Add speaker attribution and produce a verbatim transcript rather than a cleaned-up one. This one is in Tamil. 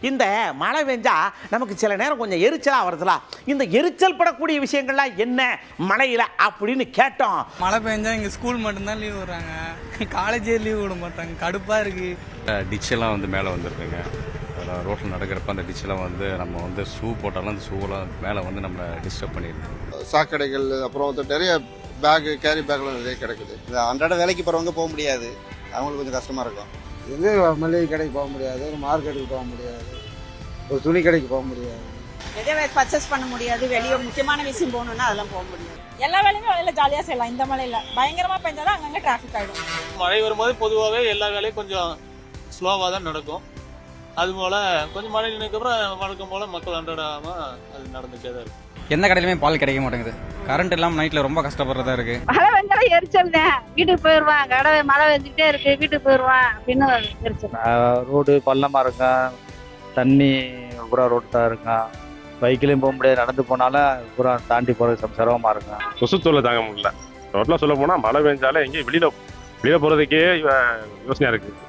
Speaker 1: இந்த மழை பெஞ்சா நமக்கு சில நேரம் கொஞ்சம் எரிச்சலாக வருதுல, இந்த எரிச்சல் படக்கூடிய விஷயங்கள்லாம் என்ன மழையில் அப்படின்னு கேட்டோம்.
Speaker 2: மழை பெஞ்சா இங்கே ஸ்கூல் மட்டும்தான் லீவ் விடுறாங்க, காலேஜே லீவ் விட மாட்டாங்க, கடுப்பாக இருக்குது.
Speaker 3: டிச்செல்லாம் வந்து மேலே வந்துருக்குங்க. ரோட்டில் நடக்கிறப்ப அந்த டிச்செல்லாம் வந்து நம்ம வந்து ஷூ போட்டாலும் அந்த ஷூவெல்லாம் மேலே வந்து நம்மளை டிஸ்டர்ப் பண்ணிடுது.
Speaker 4: சாக்கடைகள், அப்புறம் வந்து நிறைய பேகு கேரி பேக்லாம் நிறைய கிடைக்குது.
Speaker 5: அன்றாட வேலைக்கு போகிறவங்க போக முடியாது, அவங்களுக்கு கொஞ்சம் கஷ்டமாக இருக்கும்.
Speaker 6: எங்கே மளிகை கடைக்கு போக முடியாது, ஒரு மார்க்கெட்டுக்கு போக முடியாது, ஒரு துணி கடைக்கு போக முடியாது,
Speaker 7: எதை பர்ச்சேஸ் பண்ண முடியாது. வெளியே முக்கியமான விஷயம் போகணுன்னா அதெல்லாம் போக முடியாது. எல்லா வேலையுமே மழையில் ஜாலியாக செய்யலாம். இந்த மழையில் பயங்கரமாக பெஞ்சாதான் அங்கங்கே டிராஃபிக் ஆகிடும்.
Speaker 8: மழை வரும்போது பொதுவாகவே எல்லா வேலையும் கொஞ்சம் ஸ்லோவாக தான் நடக்கும். அதுபோல் கொஞ்சம் மழை நினைக்கப்புறம் வழக்கம் போல் மக்கள் அன்றாடாமல் அது நடந்துகிட்டே தான் இருக்கும்.
Speaker 2: எந்த கடையிலுமே பால் கிடைக்க மாட்டேங்குது. கரண்ட் இல்லாமல் நைட்டில் ரொம்ப கஷ்டப்படுறதா இருக்குது.
Speaker 7: மழை வெஞ்சாலும் எரிச்சல் தான். வீட்டுக்கு போயிடுவான், கடை மழை வெஞ்சிக்கிட்டே இருக்கு, வீட்டுக்கு போயிடுவான் அப்படின்னு எரிச்சல்.
Speaker 9: ரோடு பள்ளமாக இருக்கும், தண்ணி பூரா ரோடு தான் இருக்கும், பைக்கிலையும் போக முடியாது, நடந்து போனாலும் பூரா தாண்டி போகிறது சிரமமாக இருக்கும்.
Speaker 10: கொசுத்தூரில் தாங்க முடியல. ரோட்டில் சொல்ல போனால் மழை பெஞ்சாலே எங்கேயும் வெளியில் வெளியில் போகிறதுக்கே யோசனையாக இருக்குது.